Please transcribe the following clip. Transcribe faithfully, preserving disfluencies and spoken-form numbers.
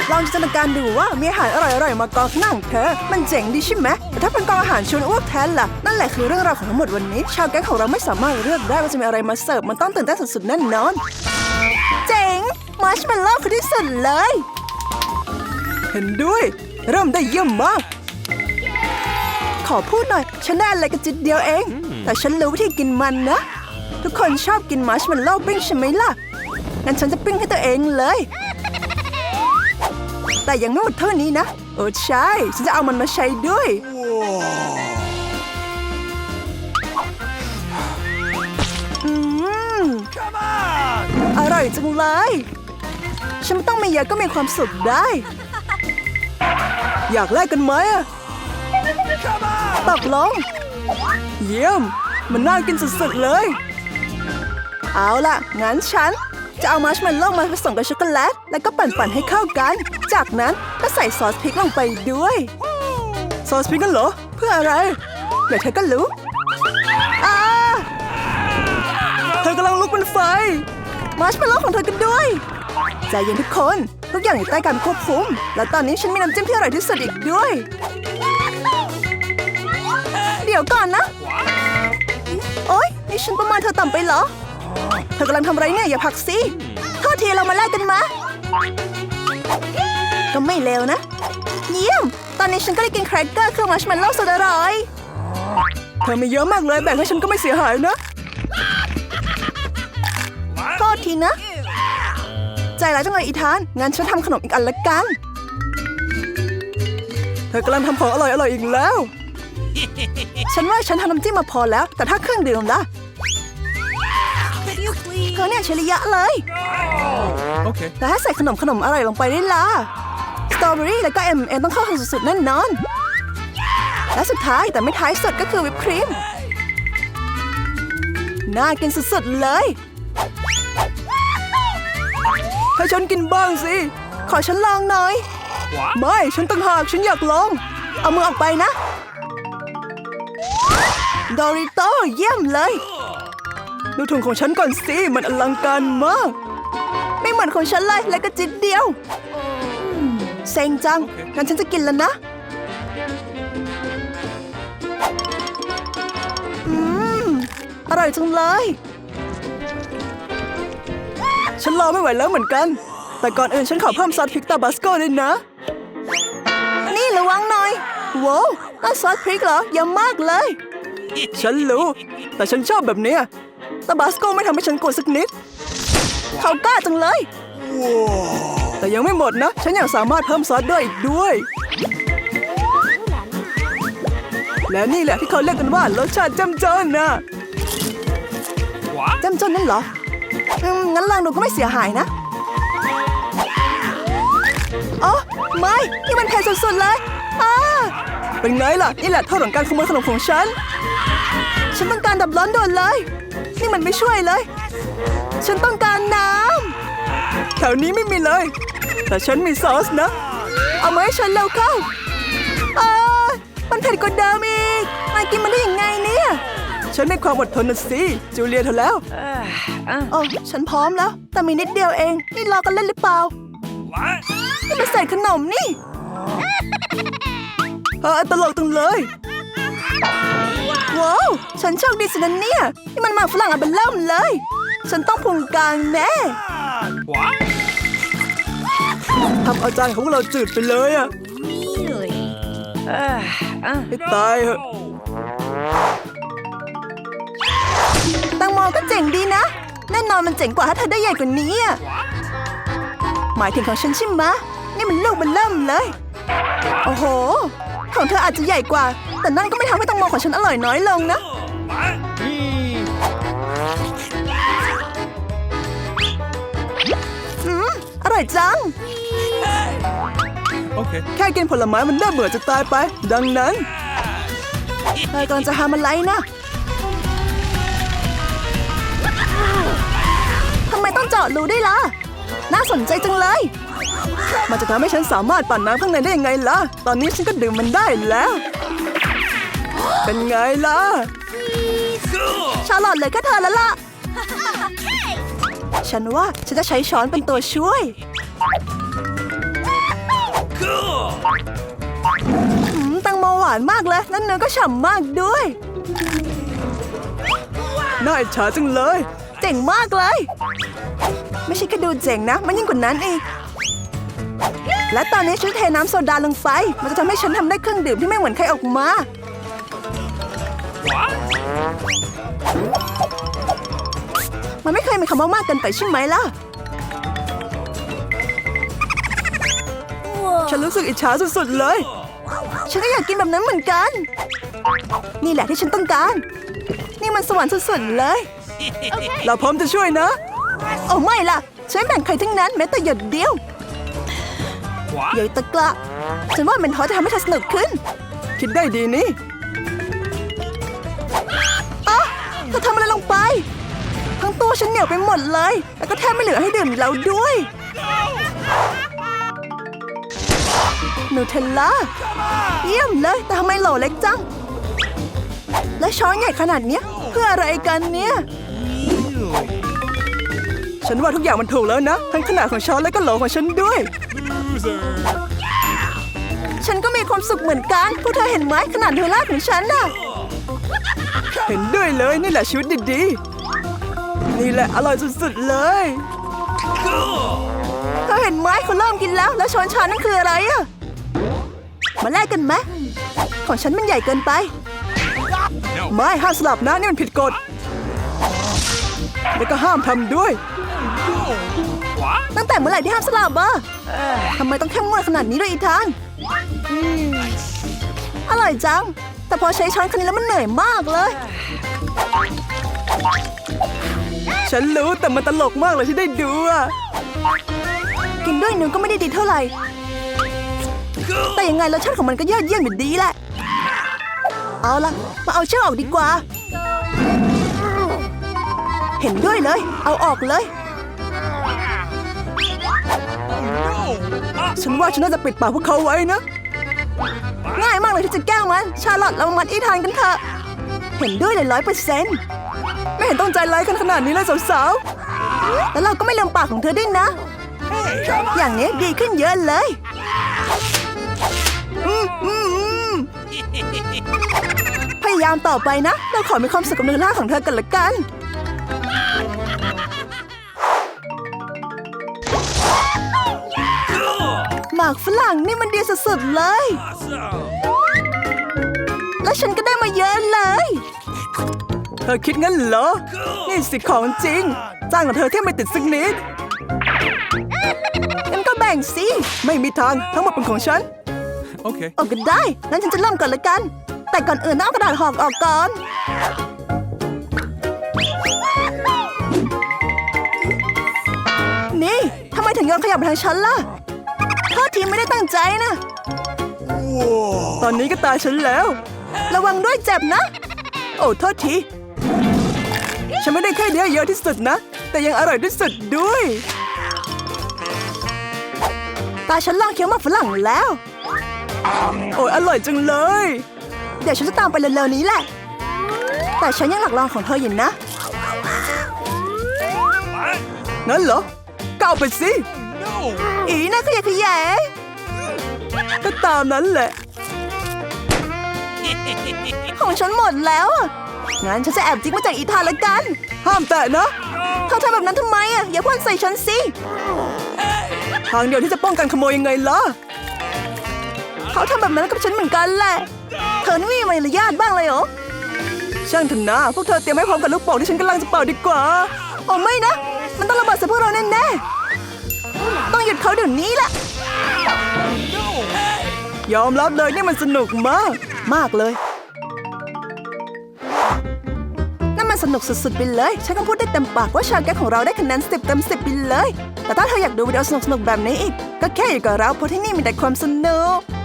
ลองจินตนาการดูว่ามีอาหารอร่อยๆมากองข้างหน้าของเธอมันเจ๋งดีใช่ไหมแต่ถ้าเป็นกองอาหารชวนอ้วกแทนล่ะนั่นแหละคือเรื่องราวของทั้งหมดวันนี้ชาวแก๊งของเราไม่สามารถเลือกได้ว่าจะมีอะไรมาเสิร์ฟมันต้องตื่นเต้นสุดๆแน่นอนเจ๋งมาร์ชเมลโล่คือที่สุดเลยเห็นด้วยเริ่มได้เยี่ยมมากขอพูดหน่อยฉันได้อะไรกันจิตเดียวเองแต่ฉันรู้วิธีกินมันนะทุกคนชอบกินมาร์ชเมลโล่ปิ้งใช่ไหมล่ะงั้นฉันจะปิ้งให้ตัวเองเลยแต่ยังไม่หมดเท่านี้นะโอ้ใช่ฉันจะเอามันมาใช้ด้วยอืมอร่อยจังเลยฉันไม่ต้องมีเยอะก็มีความสุขได้อยากแลกกันไหมตกลงเยี่ยมมันน่ากินสุดๆเลยเอาล่ะงั้นฉันจะเอามัชเมลโล่มาผสมกับช็อกโกแลตแล้วก็ปั่นๆให้เข้ากันจากนั้นก็ใส่ซอสพริกลงไปด้วยซอสพริกกันเหรอเพื่ออะไรเดี๋ยวเธอก็รู้อ่าเธอกำลังลุกเป็นไฟมัชเมลโล่ของเธอกันด้วยใจเย็นทุกคนทุกอย่างอยู่ใต้การควบคุมและตอนนี้ฉันมีน้ำจิ้มที่อร่อยที่สุดอีกด้วยเดี๋ยวก่อนนะโอ๊ยนี่ฉันประมาณเธอต่ำไปเหรอเธอกำลังทำอะไรเนี่ยอย่าพักสิโทษทีเรามาแลกกันมาก็ไม่เลวนะเยี่ยมตอนนี้ฉันก็ได้กินแครกเกอร์เครื่องมัชเมลโล่สุดอร่อยเธอมีเยอะมากเลยแบ่งให้ฉันก็ไม่เสียหายนะโทษทีนะใจร้ายจังเลยอีธานงั้นฉันทำขนมอีกอันละกันเธอกำลังทำของอร่อยอร่อยอีกแล้วฉันว่าฉันทำน้ำจิ้มมาพอแล้วแต่ถ้าเครื่องดื่มล่ะเธอเนี่ยเฉลียะเลยโอเคแต่ถ้าใส่ขนมขนมอร่อยลงไปได้ล่ะสตรอเบอรี่แล้วก็เอ็มเอ็มต้องเข้าถึงสุดๆแน่นอนและสุดท้ายแต่ไม่ท้ายสุดก็คือวิปครีมน่ากินสุดๆเลยให้ฉันกินบ้างสิขอฉันลองหน่อยไม่ฉันต่างหากฉันอยากลองเอามือออกไปนะดอริโต้เยี่ยมเลยดูถุงของฉันก่อนสิมันอลังการมากไม่เหมือนของฉันเลยและก็จิตเดียวเซ็งจังงั้นฉันจะกินแล้วนะอืมอร่อยจังเลยฉันรอไม่ไหวแล้วเหมือนกันแต่ก่อนอื่นฉันขอเพิ่มซอสพริกตาบาสโก้ด้วยนะนี่ระวังหน่อยว้าวนั่นซอสพริกเหรอเยอะมากเลยฉันรู้แต่ฉันชอบแบบนี้ตาบาสโก้ไม่ทำให้ฉันกลัวสักนิดเขากล้าจังเลยแต่ยังไม่หมดนะฉันยังสามารถเพิ่มซอสด้วยอีกด้วยและนี่แหละที่เขาเรียกกันว่ารสชาติจ้ำจนนะจ้ำจนนั่นเหรออืมงั้นลองดูก็ไม่เสียหายนะอ๋อไม่นี่มันเผ็ดสุดๆเลยอ้าเป็นไงล่ะนี่แหละโทษของการขโมยขนมของฉันฉันต้องการดับร้อนด่วนเลยนี่มันไม่ช่วยเลยฉันต้องการน้ำแถวนี้ไม่มีเลยแต่ฉันมีซอสนะเอามาให้ฉันเร็วเข้าอ้ามันเผ็ดกว่าเดิมอีกนายกินมันได้ยังไงเนี่ยฉันมีความอดทนนะสิจูเลียเธอแล้วโอ้ฉันพร้อมแล้วแต่มีนิดเดียวเองนี่รอกันเล่นหรือเปล่านี่มันใส่ขนมนี่เออตลกจังเลยว้าวฉันโชคดีสินะเนี่ยนี่มันหมากฝรั่งอันเป็นเริ่มเลยฉันต้องพุงกลางแน่ทำอาจารย์ของเราจืดไปเลยอะให้ตายเหอะแตงโมก็เจ๋งดีนะแน่นอนมันเจ๋งกว่าถ้าเธอได้ใหญ่กว่านี้อะหมายถึงของฉันใช่ไหมนี่มันลูกมันเริ่มเลยโอ้โหของเธออาจจะใหญ่กว่าแต่นั่นก็ไม่ทำให้แตงโมของฉันอร่อยน้อยลงนะอืมอร่อยจังแค่กินผลไม้มันน่าเบื่อจะตายไปดังนั้นเธอกำลังจะทำอะไรนะทำไมต้องเจาะรูด้วยล่ะน่าสนใจจังเลยมันจะทำให้ฉันสามารถปั่นน้ำข้างในได้ยังไงล่ะตอนนี้ฉันก็ดื่มมันได้แล้วเป็นไงล่ะชาลอตเลยแค่เธอแล้วล่ะ ฉันว่าฉันจะใช้ช้อนเป็นตัวช่วยอืมแตังโมหวานมากเลยแล้วเนื้อก็ฉ่ำมากด้วยน่าอิจฉาจังเลยเจ๋งมากเลยไม่ใช่แค่ดูเจ๋งนะมันยิ่งกว่านั้นอีกและตอนนี้ฉันเทน้ำโซดาลงไปมันจะทำให้ฉันทำได้เครื่องดื่มที่ไม่เหมือนใครออกมามันไม่เคยมีคำว่ามากเกินไปใช่ไหมล่ะฉันรู้สึกอิจฉาสุดๆเลยฉันก็อยากกินแบบนั้นเหมือนกันนี่แหละที่ฉันต้องการนี่มันสวรรค์สุดๆเลย เราพร้อมจะช่วยนะโอ้ไม่ล่ะฉันไม่แบ่งใครทั้งนั้นแม้แต่หยดเดียวใหญ่ตะกละฉันว่าเป็นทอจะทำให้เธอสนุกขึ้นคิดได้ดีนี่อ๊ะเธอทำอะไรลงไปทั้งตัวฉันเหนียวไปหมดเลยแล้วก็แทบไม่เหลือให้ดื่มแล้วด้วยนูเทลล่าเยี่ยมเลยแต่ทำไมโหลเล็กจังและช้อนใหญ่ขนาดเนี้ยเพื่ออะไรกันเนี่ยฉันว่าทุกอย่างมันถูกแล้วนะทั้งขนาดของช้อนและก็โหลของฉันด้วยฉันก็มีความสุขเหมือนกันพวกเธอเห็นไหมขนาดเทลล่าของฉันน่ะเห็นด้วยเลยนี่แหละชีวิตดีๆนี่แหละอร่อยสุดๆเลยเธอเห็นไหมเขาเริ่มกินแล้วแล้วช้อนชานั่นคืออะไรอะมาแลกกันไหมของฉันมันใหญ่เกินไปไม่ห้ามสลับนะนี่มันผิดกฎแล้วก็ห้ามทำด้วยตั้งแต่เมื่อไหร่ที่ห้ามสลับอะทำไมต้องเข้มงวดขนาดนี้ด้วยอีทางอร่อยจังแต่พอใช้ช้อนคันนี้แล้วมันเหนื่อยมากเลยฉันรู้แต่มันตลกมากเลยที่ได้ดูอะกินด้วยนึงก็ไม่ได้ดีเท่าไหร่แต่ยังไงรสชาติของมันก็ยอดเยี่ยมอยู่ดีแหละเอาล่ะมาเอาเชือกออกดีกว่าเห็นด้วยเลยเอาออกเลยฉันว่าฉันน่าจะปิดปากพวกเขาไว้นะง่ายมากเลยที่จะแก้มันชาลอตเรามามัดอีทานกันเถอะเห็นด้วยเลยร้อยเปอร์เซ็นต์ไม่เห็นต้องใจร้ายกันขนาดนี้เลยสาวๆแล้วเราก็ไม่ลืมปากของเธอด้วยนะอย่างนี้ดีขึ้นเยอะเลยอืมอืมอืมพยายามต่อไปนะเราขอมีความสุขกับเนื้อล่าของเธอกันละกันหมากฝรั่งนี่มันดีสุดๆเลยและฉันก็ได้มาเยอะเลยเธอคิดงั้นเหรอนี่สิของจริงจ้างของเธอที่ไม่ติดสักนิดงั้นก็แบ่งสิไม่มีทางทั้งหมดเป็นของฉันโอเคโอเคได้งั้นฉันจะเริ่มก่อนละกันแต่ก่อนอื่นต้องเอากระดาษห่อออกก่อนนี่ทำไมถึงโยนขยะมาทางฉันล่ะโทษทีไม่ได้ตั้งใจนะตอนนี้ก็ตายฉันแล้วระวังด้วยเจ็บนะโอ้โทษทีฉันไม่ได้แค่เดียวเยอะที่สุดนะแต่ยังอร่อยที่สุดด้วยตาฉันลองเคี้ยวหมากฝรั่งแล้วโอ้ยอร่อยจังเลยเดี๋ยวฉันจะตามไปเร็วๆนี้แหละแต่ฉันยังหลักลองของเธออยู่นะนั่นเหรอก้าวไปสิอีน่าขยะขยะก็ตามนั้นแหละของฉันหมดแล้วงั้นฉันจะแอบจิ๊กมาจากอีธานละกันห้ามแตะนะเธอทำแบบนั้นทำไมอ่ะอย่าพ่นใส่ฉันสิทางเดียวที่จะป้องกันขโมยยังไงล่ะเขาทำแบบนั้นกับฉันเหมือนกันแหละเธอไม่มีมารยาทบ้างเลยเหรอช่างเถอะนะพวกเธอเตรียมให้พร้อมกับลูกโป่งที่ฉันกำลังจะเป่าดีกว่าโอ้ไม่นะมันต้องระเบิดใส่พวกเราแน่ๆต้องหยุดเขาเดี๋ยวนี้แหละยอมรับเลยนี่มันสนุกมากมากเลยนั่นมันสนุกสุดๆไปเลยฉันก็พูดได้เต็มปากว่าชาแก๊กของเราได้คะแนนสิบเต็มสิบไปเลยแต่ถ้าเธออยากดูวิดีโอสนุกๆแบบนี้อีกก็แค่อยู่กับเราเพราะที่นี่มีแต่ความสนุก